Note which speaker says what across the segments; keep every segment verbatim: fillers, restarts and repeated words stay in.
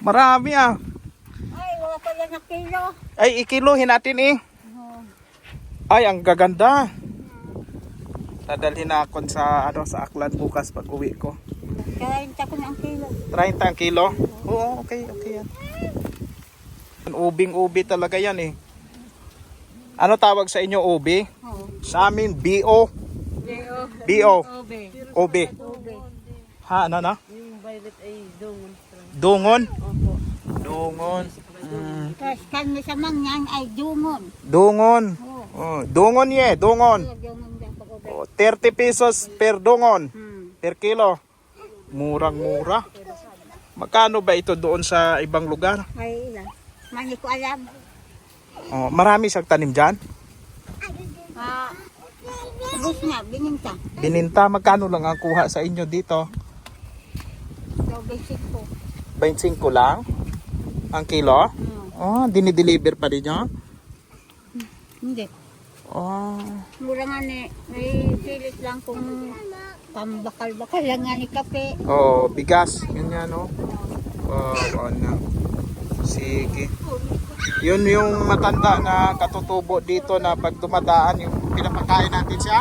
Speaker 1: Marami ah.
Speaker 2: Ay, wala pa yan na kilo.
Speaker 1: Ay, ikiluhin natin eh.
Speaker 2: Oh.
Speaker 1: Ay, ang gaganda. Dadalhin na ako sa, ano, sa Aklan bukas pag uwi ko.
Speaker 2: Kaya ko na ang kilo.
Speaker 1: thirty ang kilo? Oo, okay, okay yan. Ubing-ubi talaga yan eh. Ano tawag sa inyo, ubi?
Speaker 2: Oo.
Speaker 1: Sa amin, B O. B O. Ubi. Ha, ano na?
Speaker 2: Yung violet ay dungon.
Speaker 1: Dungon? Dungon. Mm.
Speaker 2: Tapos kanya sa mangyan ay dungon.
Speaker 1: Dungon.
Speaker 2: Oo.
Speaker 1: Oh, dungon ye, dungon.
Speaker 2: Dungon dyan pag ube.
Speaker 1: Oh, thirty pesos per dungon.
Speaker 2: Hmm.
Speaker 1: Per kilo. Murang-mura. Magkano ba ito doon sa ibang lugar?
Speaker 2: Ay, ilan. Mani ko alam.
Speaker 1: Oh, marami siyang tanim dyan.
Speaker 2: Ah, ubus na, bininta.
Speaker 1: Bininta, magkano lang ang kuha sa inyo dito?
Speaker 2: So, basic ko.
Speaker 1: twenty-five lang ang kilo?
Speaker 2: Hmm.
Speaker 1: Oh, dinideliver pa din nyo?
Speaker 2: Hindi.
Speaker 1: Oh,
Speaker 2: Mura nga ni, may pilit lang kung pambakal-bakal lang nga ni kape.
Speaker 1: oh bigas. Yun yan, no? Oh, ano. Sige. Yun yung matanda na katutubo dito na pag dumadaan, yung pinapakain natin siya.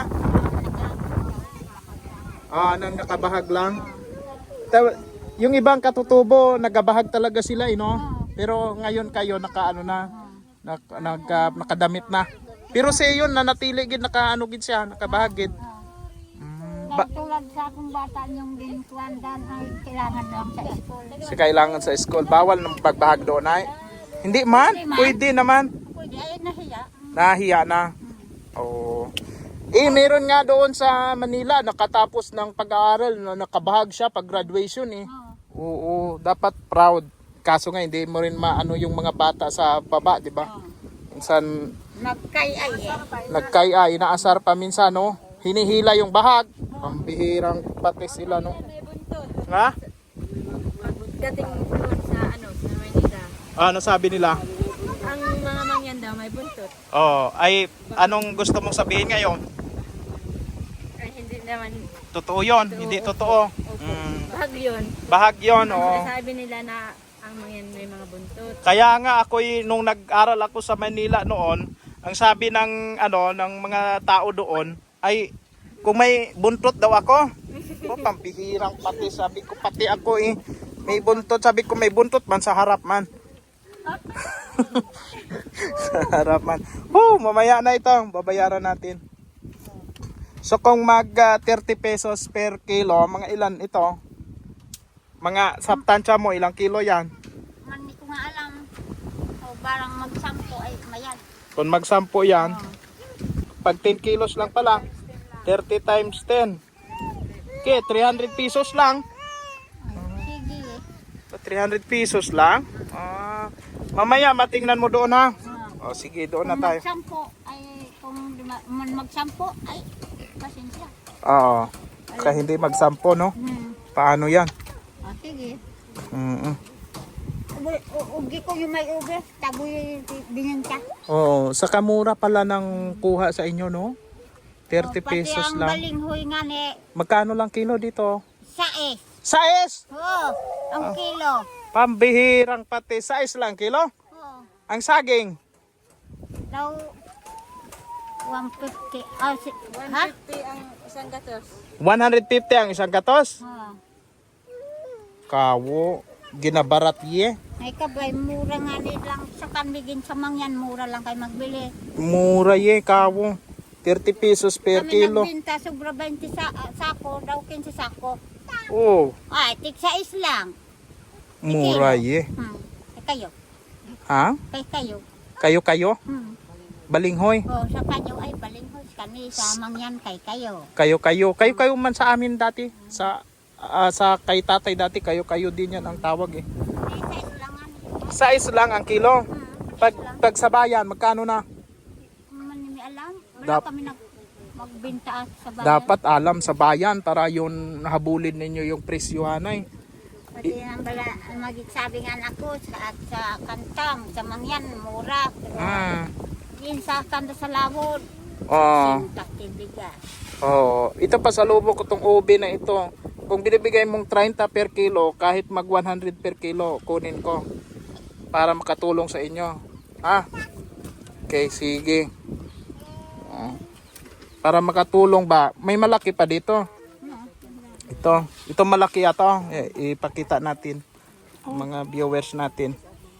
Speaker 1: Ah, nang nakabahag lang. Ta- yung ibang katutubo, nagabahag talaga sila, eh, no? Pero ngayon kayo, naka, ano na, nak, naka, nakadamit na. Pero sa yun, nanatili gid nakaano gid siya, nakabahagid. Mm, ba,
Speaker 2: Dahil tulad sa akong bata yung binutuan dan ay kailangan lang sa school.
Speaker 1: si kailangan sa school, bawal ng pagbahag doon ay. Hindi man, pwede naman.
Speaker 2: Pwede, ayun na siya.
Speaker 1: Nahiya na. Oo. Eh, meron nga doon sa Manila, nakatapos ng pag-aaral, na nakabahag siya pag graduation eh. Oo, dapat proud. Kaso nga, hindi mo rin maano yung mga bata sa baba, di ba? Minsan,
Speaker 2: Nagkay-ay eh.
Speaker 1: nagkaya, inaasar pa minsan, no? Hinihila yung bahag. Pambihirang pati sila, no? Nga?
Speaker 3: Dating doon sa ano, sa Manila,
Speaker 1: Ano sabi nila?
Speaker 3: ang mga mangyan daw may buntot.
Speaker 1: Oh, ay, anong gusto mong sabihin ngayon?
Speaker 3: Ay hindi naman
Speaker 1: Totoo yon, hindi totoo. Mm.
Speaker 3: bahag yun.
Speaker 1: Bahag yon, oh.
Speaker 3: Sabi nila na ang mangyan may mga buntot.
Speaker 1: Kaya nga ako nung nag-aral ako sa Manila noon, ang sabi ng ano ng mga tao doon ay kung may buntot daw ako. Oh, pampihirang pati sabi ko pati ako eh. May buntot, sabi ko may buntot man sa harap man. Sa harap man. Oh, mamaya na ito, babayaran natin. So kung mag uh, thirty pesos per kilo, mga ilan ito? Mga saptansya mo, ilang kilo yan?
Speaker 2: Mani ko nga alam. O barang magsampo ay mayad.
Speaker 1: Kung magsampo yan, pag ten kilos lang pala, thirty times ten. Okay, three hundred pesos lang.
Speaker 2: Sige eh.
Speaker 1: So, three hundred pesos lang. Ah, mamaya matingnan mo doon ha.
Speaker 2: Ah.
Speaker 1: O sige, doon na
Speaker 2: Kung
Speaker 1: tayo.
Speaker 2: magsampo ay kung di ma- man magsampo ay pasensya.
Speaker 1: Oo. Kaya hindi magsampo, no?
Speaker 2: Hmm.
Speaker 1: Paano yan?
Speaker 2: Ah, sige.
Speaker 1: Mm-mm.
Speaker 2: Ubi- u- Ugi ko yung may ubi. Taboy bininta.
Speaker 1: Oo, sa kamura pala ng kuha sa inyo, no? thirty pesos
Speaker 2: Pati ang
Speaker 1: lang.
Speaker 2: balinghoy nga ni
Speaker 1: Magkano lang kilo dito?
Speaker 2: sais.
Speaker 1: Sais!
Speaker 2: Oo, ang kilo.
Speaker 1: Pambihirang pati. Sais lang kilo?
Speaker 2: Oo.
Speaker 1: Ang saging?
Speaker 2: Daw one fifty. Ah, si, ha?
Speaker 3: fifty ang isang gatos.
Speaker 1: one hundred fifty ang isang gatos?
Speaker 2: Ah.
Speaker 1: Kawo, ginabarat ye.
Speaker 2: Ay kabay, mura nga ni lang sa kanbigin sa mangyan, mura lang kayo magbili.
Speaker 1: Mura ye, kawo. thirty pesos per
Speaker 2: Kami
Speaker 1: kilo.
Speaker 2: nagbinta, sobra twenty sa, ah, sako, daw quince sako.
Speaker 1: Oh,
Speaker 2: Ay, tig sais lang.
Speaker 1: mura ye.
Speaker 2: Hmm. Kay kayo,
Speaker 1: Ha?
Speaker 2: kay kayo.
Speaker 1: Kayo-kayo?
Speaker 2: Hmm.
Speaker 1: Balinghoy.
Speaker 2: O, sa kanyo ay balinghoy kami sa mangyan kay kayo.
Speaker 1: Kayo-kayo. Kayo-kayo man sa amin dati. Sa ah, sa kay tatay dati, kayo-kayo din yan ang tawag eh.
Speaker 2: Ay, sais lang nga ni.
Speaker 1: Sais lang ang kilo.
Speaker 2: Hmm.
Speaker 1: Pag, pag sa bayan, magkano na?
Speaker 2: Manimi alam. Wala
Speaker 1: Dap-
Speaker 2: kami nag magbinta sa bayan.
Speaker 1: Dapat alam sa bayan para yun habulin ninyo yung presyohan ay.
Speaker 2: Pati ang bala, magsabi nga ako sa, at sa kantang, sa mangyan, mura. Pero
Speaker 1: Ah.
Speaker 2: yun sa kanta sa lawod,
Speaker 1: Oh.
Speaker 2: sintak tibigas.
Speaker 1: Oh, ito pa sa lubok ko tong ube na ito. kung binibigay mong thirty per kilo, kahit mag one hundred per kilo, kunin ko para makatulong sa inyo. Ha? Okay, sige. Ah, para makatulong ba? May malaki pa dito. Ito, ito malaki ato. Eh, ipakita natin mga viewers natin.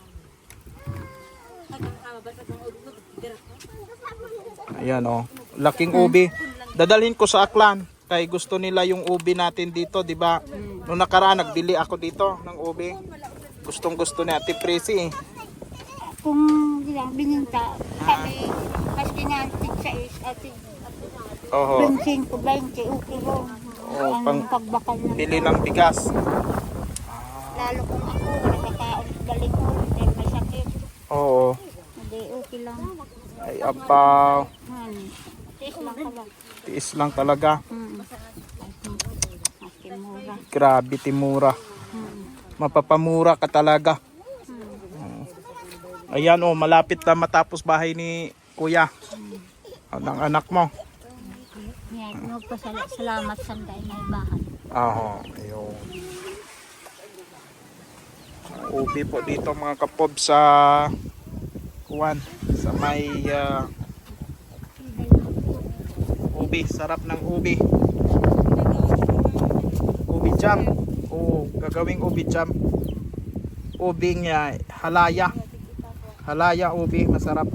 Speaker 1: Ayan oh, laking ubi. Dadalhin ko sa Aklan. Kay gusto nila yung ubi natin dito, di ba? Noong nakaraan nagbili ako dito ng ubi. Gustong gusto ni Ate Prissy eh.
Speaker 2: Kung ilang bininta, kami, maski nga tig sa is, atig,
Speaker 1: Oho.
Speaker 2: bensin ko, twenty, okay ron.
Speaker 1: Oo,
Speaker 2: Ang
Speaker 1: pang-
Speaker 2: pagbakal ng
Speaker 1: Bili ng bigas.
Speaker 2: lalo kung ako, nakakaon galing ko, hindi may sakit.
Speaker 1: Oo.
Speaker 2: Hindi, okay lang.
Speaker 1: Ay apaw.
Speaker 2: Han, tiis lang pala.
Speaker 1: Tiis lang talaga.
Speaker 2: Hmm. Maski mura.
Speaker 1: Grabe timura.
Speaker 2: Hmm.
Speaker 1: Mapapamura ka talaga.
Speaker 2: Hmm.
Speaker 1: Ayan oh, malapit na matapos bahay ni Kuya. Ang anak mo.
Speaker 2: Yan, nagpasalamat sa day na ibahan.
Speaker 1: Aho, ayun. Ubi po dito mga kapob sa Kuwan, sa may uh, ubi, sarap ng ubi. Ubi jam. Oo, gagawing ubi jam. Ubing uh, halaya. Halaya ubi, masarap.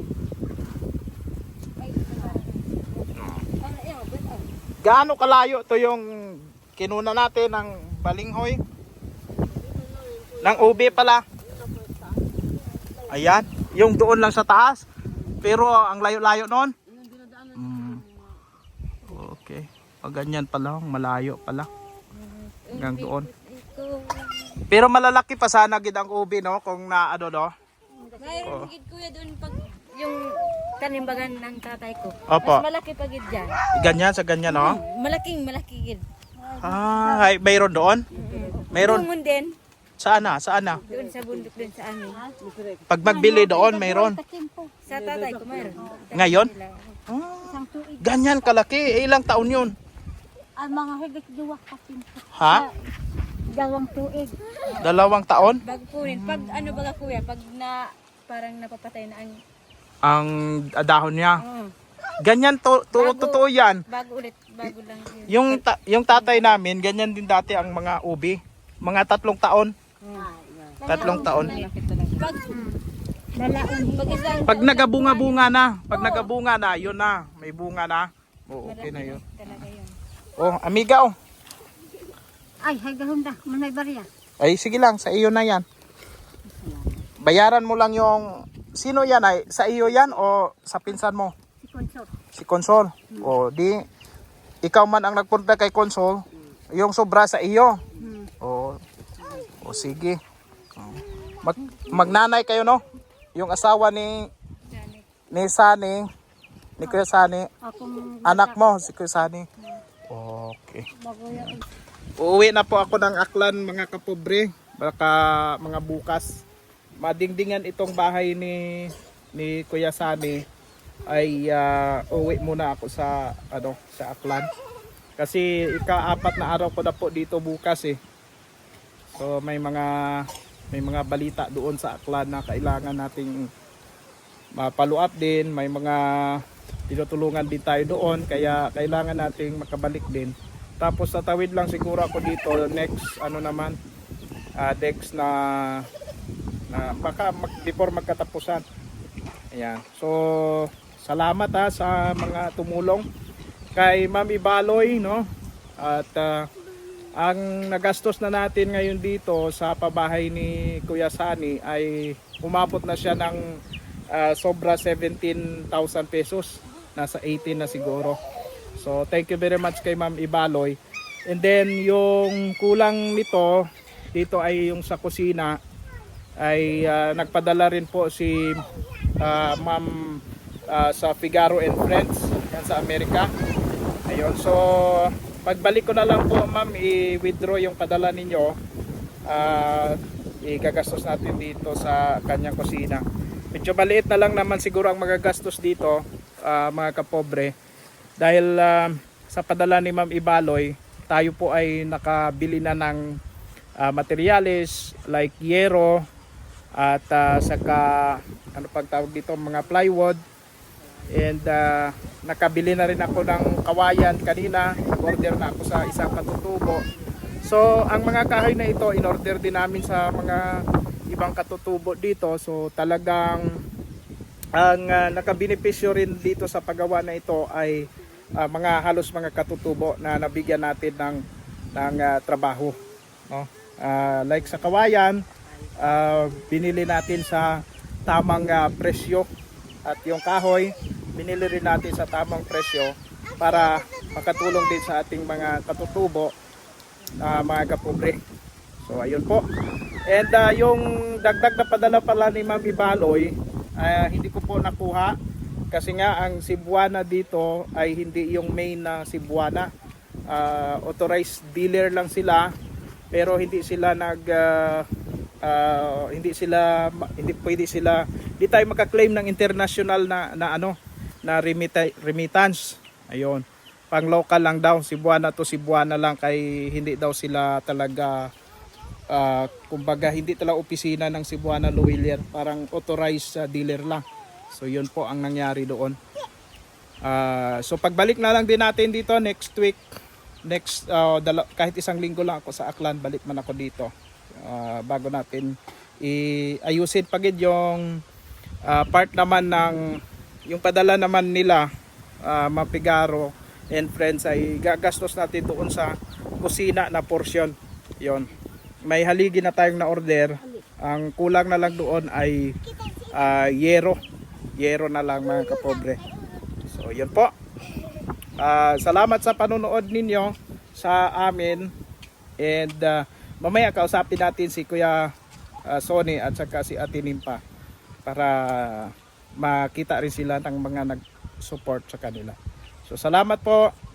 Speaker 1: Gaano kalayo to yung kinuna natin ng balinghoy? Ng ubi pala. Ayan, yung doon lang sa taas. Pero ang layo-layo noon. Mm. Okay. Pag ganyan pala, malayo pala. Hanggang doon. Pero malalaki pa sana gid ang ubi no kung na ano no.
Speaker 3: Mayroon gid kuya doon pag yung tanimbagan ng tatay ko.
Speaker 1: Opo.
Speaker 3: Mas malaki pa gid dyan.
Speaker 1: Ganyan sa ganyan no.
Speaker 3: Malaking malaki gid.
Speaker 1: Ah, ay, mayroon doon? Mayroon.
Speaker 3: Doon din.
Speaker 1: Saan na? Saan na?
Speaker 3: Doon sa bundok doon sa amin.
Speaker 1: Pag magbili doon, mayroon.
Speaker 3: Sa tatay ko mayroon.
Speaker 1: Ngayon? Ah,
Speaker 2: Isang tuig.
Speaker 1: ganyan kalaki. Eh, ilang taon yun?
Speaker 2: Ang mga higit duwa kasi.
Speaker 1: Ha?
Speaker 2: Dalawang tuig.
Speaker 1: Dalawang taon?
Speaker 3: Bago kunin. Pag ano baga kuya, pag na parang napapatay na ang
Speaker 1: Ang dahon niya.
Speaker 3: oh,
Speaker 1: Ganyan to, to
Speaker 3: Bago.
Speaker 1: totoo yan.
Speaker 3: bago ulit, bago lang yun.
Speaker 1: Yung ta- yung tatay namin, ganyan din dati ang mga ubi. Mga tatlong taon. Tatlong taon.
Speaker 3: Pag
Speaker 2: Dalaon.
Speaker 3: pag isang
Speaker 1: Pag nagabunga-bunga na, pag nagabunga na, yun na. May bunga na. Oo, okay na yun.
Speaker 3: talaga yun.
Speaker 1: Oh, amiga oh.
Speaker 2: Ay, hay gahunda. Manay barya.
Speaker 1: Ay, sige lang, sa iyo na yan. Bayaran mo lang yung... Sino yan ay? Sa iyo yan o sa pinsan mo?
Speaker 2: Si Consort.
Speaker 1: Si Consol. O di, ikaw man ang nagpunta kay Consol, yung sobra sa iyo.
Speaker 2: Hmm.
Speaker 1: O, o sige. O. Mag, magnanay kayo no? Yung asawa ni ni Sani, ni Kuya Sani,
Speaker 2: Akong
Speaker 1: anak mo si Kuya Sani. Okay.
Speaker 2: bago yan.
Speaker 1: Uuwi na po ako ng Aklan mga kapobre. Baka mga bukas. Madingdingan itong bahay ni ni Kuya Sani ay uh, uwi muna ako sa ano sa Aklan. Kasi ika-apat na araw ko na po dito bukas eh. So may mga may mga balita doon sa Aklan na kailangan nating ma-follow up din, may mga tinutulungan din tayo doon kaya kailangan nating makabalik din. Tapos sa tawid lang siguro ako dito next ano naman uh, next na na baka mag, before magkatapusan. Ayan. So salamat ha sa mga tumulong kay Ma'am Ibaloy no. At uh, ang nagastos na natin ngayon dito sa pabahay ni Kuya Sani ay umabot na siya ng uh, sobra seventeen thousand pesos. Nasa eighteen na siguro. So thank you very much kay Ma'am Ibaloy. And then yung kulang nito dito ay yung sa kusina ay uh, nagpadala rin po si uh, Ma'am uh, sa Figaro and Friends yan sa Amerika. Ayun, so pagbalik ko na lang po ma'am i-withdraw yung padala ninyo. Uh, igagastos natin dito sa kanyang kusina. Medyo maliit na lang naman siguro ang magagastos dito uh, mga kapobre. Dahil uh, sa padala ni Ma'am Ibaloy tayo po ay nakabili na ng uh, materyales like yero at uh, saka ano pang tawag dito, mga plywood. And uh, nakabili na rin ako ng kawayan kanina. Nag-order na ako sa isang katutubo. So ang mga kahoy na ito in-order din namin sa mga ibang katutubo dito. So talagang ang uh, nakabenepisyo rin dito sa paggawa na ito ay uh, mga halos mga katutubo na nabigyan natin ng ng uh, trabaho, no? Uh, like sa kawayan, uh, binili natin sa tamang uh, presyo, at yung kahoy binili rin natin sa tamang presyo para makatulong din sa ating mga katutubo, uh, mga kapobre. So ayun po. And uh, yung dagdag na padala pala ni Ma'am Ibaloy, uh, hindi ko po nakuha kasi nga ang Cebuana dito ay hindi yung main na Cebuana. Uh, authorized dealer lang sila, pero hindi sila nag uh, uh, hindi sila hindi pwede sila hindi tayo makaklaim ng international na na ano na remita, remittance. Ayun. Pang local lang daw, Cebuana to Cebuana lang, kay hindi daw sila talaga uh, kumbaga hindi talaga opisina ng Cebuana Lawyer, parang authorized uh, dealer lang. So yun po ang nangyari doon. Uh, so pagbalik na lang din natin dito next week, next uh, dala, kahit isang linggo lang ako sa Aklan, balik man ako dito uh, bago natin iayusin pagid yung uh, part naman ng yung padala naman nila, uh, Mapigaro and friends, ay gagastos natin doon sa kusina na portion. Yon, may haligi na tayong na order, ang kulang na lang doon ay uh, yero yero na lang, mga kapobre. So yun po. Uh, salamat sa panonood ninyo sa amin, and uh, mamaya kausapin natin si Kuya uh, Sonny at saka si Ate Nimpa para makita rin sila ng mga nag-support sa kanila. So salamat po.